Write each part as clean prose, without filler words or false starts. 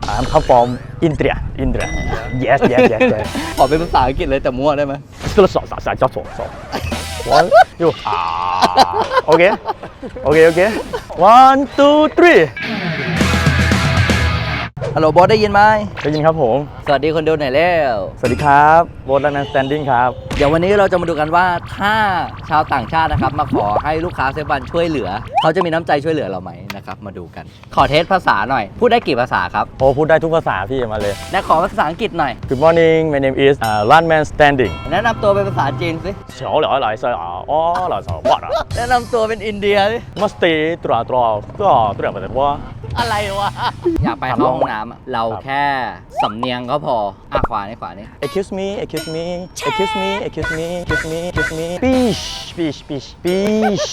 I'm come from India. India. Yes, yes, yes, yes. ขอเป็นภาษาอังกฤษเลยแต่มั่วได้ไหม One, two, Okay, okay, okay. 1, 2, 3. ฮัลโหลบอสได้ยินไหมได้ยินครับผมสวัสดีคนดูหน่อยแล้วสวัสดีครับโบทและแมนสแตนดิ้งครับเดี๋ยววันนี้เราจะมาดูกันว่าถ้าชาวต่างชาตินะครับมาขอให้ลูกค้าเซฟวันช่วยเหลือเขาจะมีน้ำใจช่วยเหลือเราไหมนะครับมาดูกันขอเทสภาษาหน่อยพูดได้กี่ภาษาครับโอ้พูดได้ทุกภาษาพี่มาเลยและขอภาษาอังกฤษหน่อย Good morning my name is Runman Standing แนะนำตัวเป็นภาษาจีนสิ小了来塞啊哦来塞哇啦แนะนำตัวเป็นอินเดียสิ Mustตราก็ตราแบบว่าอะไรวะอยากไปเข้าห้องน้ำอะเราแค่สำเนียงก็พอขวานี่ขวานี่ Excuse me excuse me excuse me excuse me excuse me excuse me Fish fish fish fish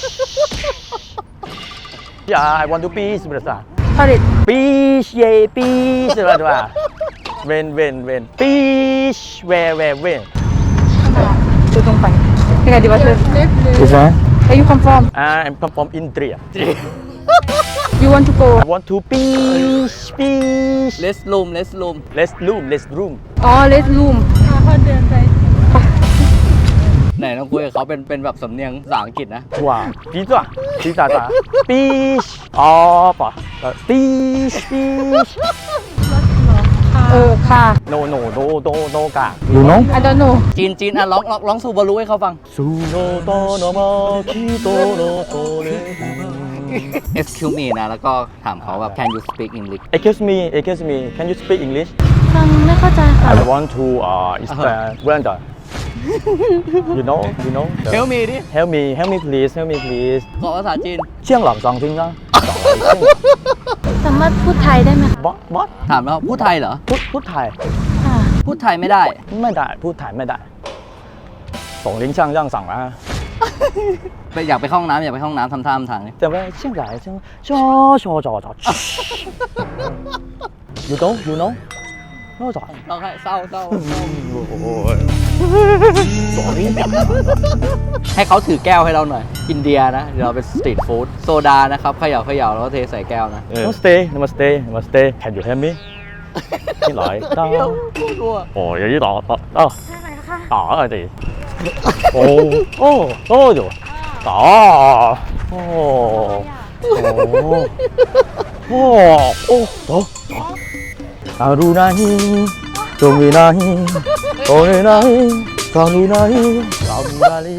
Yeah I want to fish ภาษา Sorry. Fish yeah fish อะไรวะ When Fish where when Tutong pan. Teka, di ba sir? This one Where you come from? I'm come from India You want to go? I want to fish เลสลูม Let's room Oh, let's room. ไหนต้องคุยกับเขาเป็นแบบสำเนียงภาษาอังกฤษนะ哇pizza fish อ๋อป่ะ fish Ka. no กะ you know I don't know. จีนอ่ะร้องซูบารุให้เขาฟังสุโนโตโนมาคิโตโนโตเร Excuse me นะแล้วก็ถามเขาแบบ Can you speak English Excuse me can you speak English ฟังไม่เข้าใจค่ะ I want to Brenda you know Help me ดิ help me please ขอภาษาจีนเชียงหลังสองทิ้งนะสามารถพูดไทยได้ไหมคะบอสถามแล้วพูดไทยเหรอพูดไทยค่ะพูดไทยไม่ได้ไม่ได้พูดไทยไม่ได้สองลิ้นช่างย่างสั่งนะอยากไปเข้าห้องน้ำทำท่าทำทางนี่แต่ว่าเชียงรายเชียงชอ you know นอกจากเราให้เศร้าโอ้ยสองลิ้นให้เขาถือแก้วให้เราหน่อย อินเดียนะเดี๋ยวเราเป็นสตรีทฟู้ดโซดานะครับเขย่าแล้วก็เทใส่แก้วนะ Namaste can you help me ที่ไหนต้าโอ้ยยี่ต่อต่ออะไรดิโอ้อยู่ต่ออารูนาฮีจงวีนาฮีโอเนนาฮีกาลูนาฮีกาบูราลี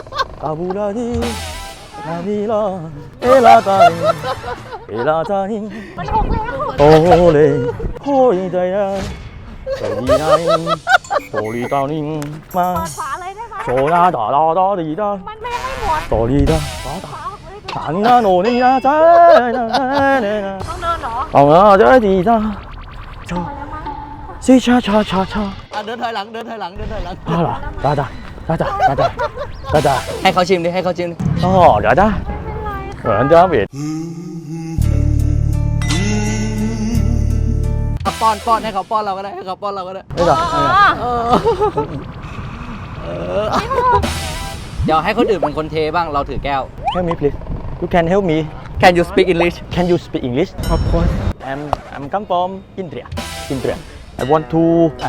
นาบีลาเอลาตานีโอเลโฮยใจนะใจดีนาฮีโอลีตานีมาโซนาดาดีดามันไม่ให้หมดโอลีดาถังนาโนนี่นะใจนะต้องเดินเหรอเอาใจดีดาซีชาเดินถอยหลังได้ให้เขาชิมดิอ๋อเดี๋ยวได้เหมือนจะเบียดป้อนให้เขาป้อนเราก็ได้ไม่หรอกเดี๋ยวให้คนอื่นเป็นคนเทบ้างเราถือแก้ว Help me please you can help me Can you speak English Can you speak English Of course. I'm come from India I want to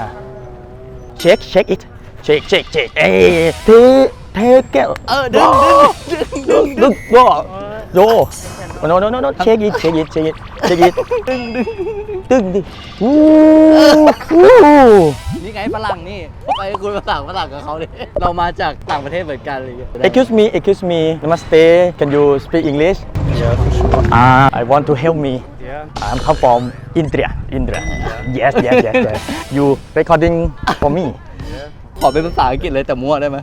shake it shake เอ้เทแก้วดึงโย no shake it ดึงดินี่ไงฝรั่งนี่ไปคุยภาษาฝรั่งกับเขาดิเรามาจากต่างประเทศเหมือนกันเลย Excuse me Namaste Can you speak English Yeah, for sure. I want to help me Yeah. I'm come from India Yes You recording for me ขอเป็นภาษาอังกฤษเลยแต่มั่วได้ไหม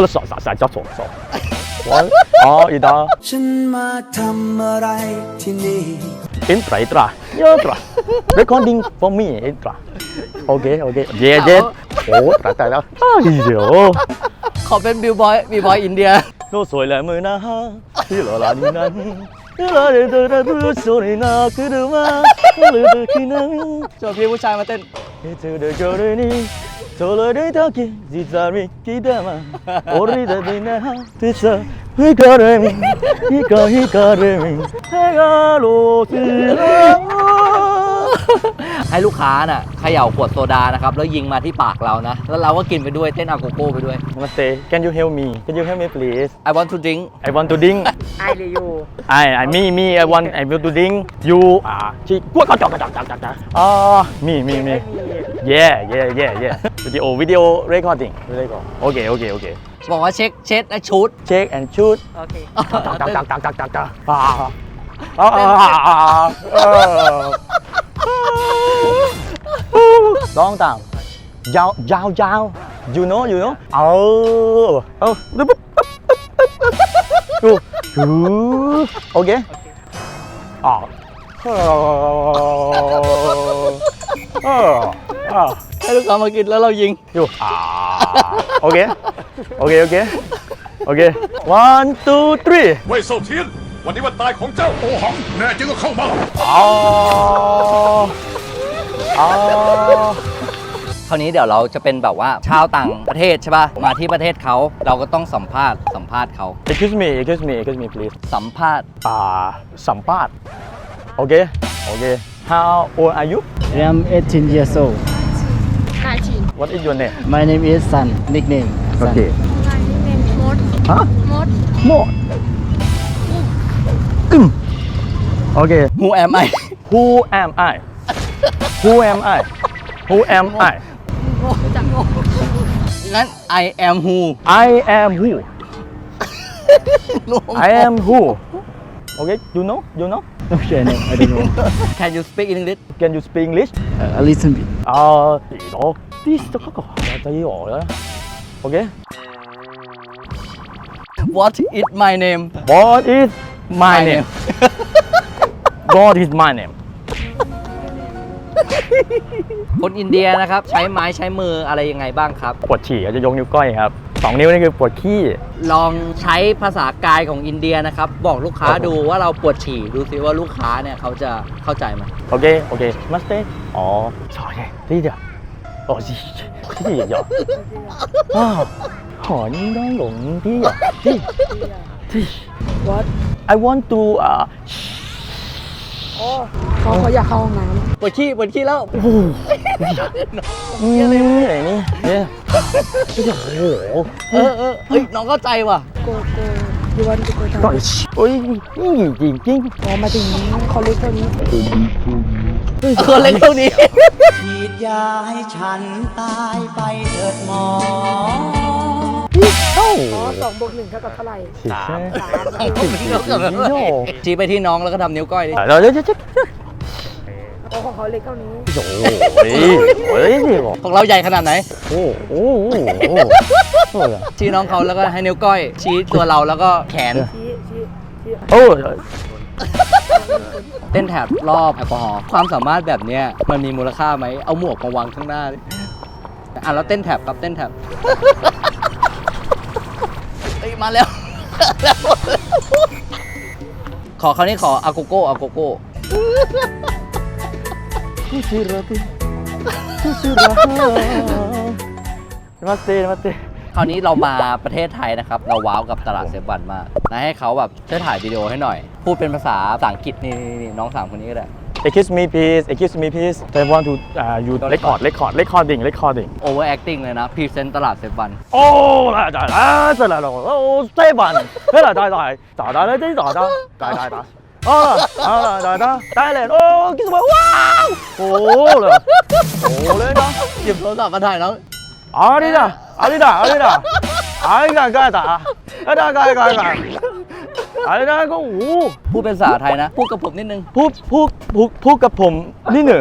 One อ๋ออีดาฉันมาทำอะไรที่นี่ Intra Recording for me Intra Okay Yes โอ้ตายแล้วเดี๋ยวขอเป็นบิวบอยอินเดียโน้สวยและมือนะฮะที่หล่อลานี่นั้นผู้สวยน่าคือดูมาหรือคือนั้นชวนพี่ผู้ชายมาเต้นเธอเดินเจอเลยนี่โซโล่ได้ทักกี้จิตใจริกิดามาโอริดาดินะที่เธอฮิคาเรมิฮิคาเรมิฮิคาโลซิลาให้ลูกค้าน่ะเขย่าขวดโซดานะครับแล้วยิงมาที่ปากเรานะแล้วเราก็กินไปด้วยเต้นอาโกโก้ไปด้วย Namaste. Can you help me? Can you help me, please? I want to drink I want to drink. Ai là you? Me. I want to drink. You. She. Me. Yeah. Video recording. Okay. บอกว่าเช็ดและชุด Check and shoot. Okay. Long time. Yao. You know. Okay. Oh. ให้ลูกค้ามากินแล้วเรายิง You. Okay. 1, 2, 3. เว่ยเซาเทียน วันนี้วันตายของเจ้าโอหัง แน่จริงก็เข้ามาคราวนี้เดี๋ยวเราจะเป็นแบบว่าชาวต่างประเทศใช่ป่ะ มาที่ประเทศเขาเราก็ต้องสัมภาษณ์เขา Excuse me, please. สัมภาษณ์สัมภาษณ์ Okay. How old are you? I am 18 years old. What is your name? My name is Sun, nickname. Sun. Okay. มด Huh? มด More. Okay. Who am I Who am I? งั้น I am who I am who? Okay. You know? Okay, no, I don't know. Can you speak English Can you speak English? A little bit. Okay. What is my name What is my name? What is my name? คนอินเดียนะครับ ใช้ไม้ใช้มืออะไรยังไงบ้างครับปวดฉี่ก็จะยกนิ้วก้อยครับ2 นิ้วนี่คือปวดขี้ลองใช้ภาษากายของอินเดียนะครับ บอกลูกค้าดูว่าเราปวดฉี่ดูซิว่าลูกค้าเนี่ยเขาจะเข้าใจไหม Okay. Namaste. Sorry. 低点。谢谢爷爷。好，应该容易呀。What? I want to เขาอยากเข้าห้องน้ำปวดขี้แล้วอะไรนี่เนี่ยโอ้โหเฮ้ยน้องเข้าใจว่ะโกยูวันโกทาต่อยโอ้ยนี่จริงอ๋อมาถึงเขาเล็กเท่านี้คนเล็กเท่านี้ฉีดยาให้ฉันตายไปเถิดหมอเอ้าอ๋อ2+1 เท่ากับเท่าไหร่ชี้ไปที่น้องแล้วก็ทำนิ้วก้อยดิเราจะโอ้ของเขาเล็กเท่านี้โอ้ยนี่บอกของเราใหญ่ขนาดไหนโอ้โหชี้น้องเขาแล้วก็ให้นิ้วก้อย ชี้ตัวเราแล้วก็แขนชี้โอ้เต้นแถบรอบแอลกอฮอล์ความสามารถแบบเนี้ยมันมีมูลค่าไหมเอาหมวกมาวางข้างหน้าดิแล้วเต้นแถบครับเต้นแถบเฮ้ยมาแล้วขอคราวนี้ขออาโกโก้ Namaste. คราวนี้เรามาประเทศไทยนะครับ เราว้าวกับตลาดเซฟวันมากนะให้เขาแบบช่วยถ่ายวิดีโอให้หน่อย พูดเป็นภาษาอังกฤษนี่น้อง3คนนี้ก็ได้ Excuse me, please. I want to you recording. over acting เลยนะพรีเซนต์ตลาดเซฟวัน Oh,来了！哦，这版，来了！哦，给什么？哇！哦了， หยิบโทรศัพท์มาถ่ายน้อง阿里哒，阿里干啥？阿里个五， พูดเป็นภาษาไทยนะ พูดกับผมนิดนึงพูดกับผมนิดหนึ่ง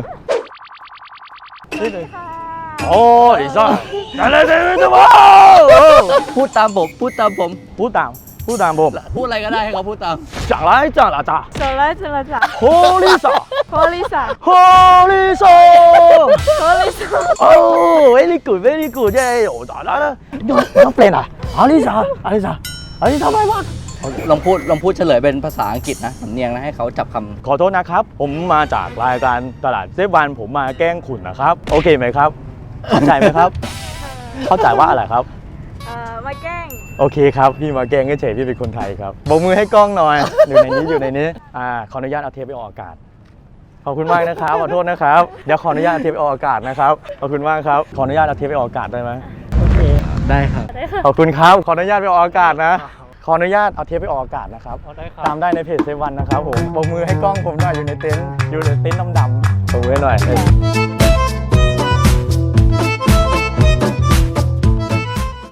โอ้ยซ่าอะไรวะพูดตามผมพูดตามผมพูดอะไรก็ได้ให้เขาพูดตาม讲来咋โซล่าเจลจ่า Holy ซ่าโพลิสา Holy ซ่าโพลิสา哦 very good เย้โอ้咋了น้องเปลี่ยนอ่ะ阿里ซ่าไม่ว่าลองพูดเฉลยเป็นภาษาอังกฤษนะสำเนียงนะให้เขาจับคำขอโทษนะครับ ผมมาจากรายการตลาดเซฟวันผมมาแกล้งขุนนะครับ โอเคไหมครับ เข้าใจไหมครับ เข้าใจว่าอะไรครับมาแกล้งโอเคครับ พี่มาแกล้งเฉยๆพี่เป็นคนไทยครับโบกมือให้กล้องหน่อย อยู่ในนี้ขออนุญาตเอาเทปไปออกอากาศขอบคุณมากนะครับ ขอโทษนะครับ เดี๋ยวขออนุญาตเอาเทปไปออกอากาศนะครับ ขอบคุณมากครับ ขออนุญาตเอาเทปไปออกอากาศได้ไหมโอเค ได้ครับขอบคุณครับ ขออนุญาตไปออกอากาศนะ ขออนุญาตเอาเทปไปออกอากาศนะครับ ตามได้ในเพจเซวันนะครับผมปรบมือให้กล้องผมหน่อยอยู่ในเต็นท์ดำๆปรบมือให้หน่อย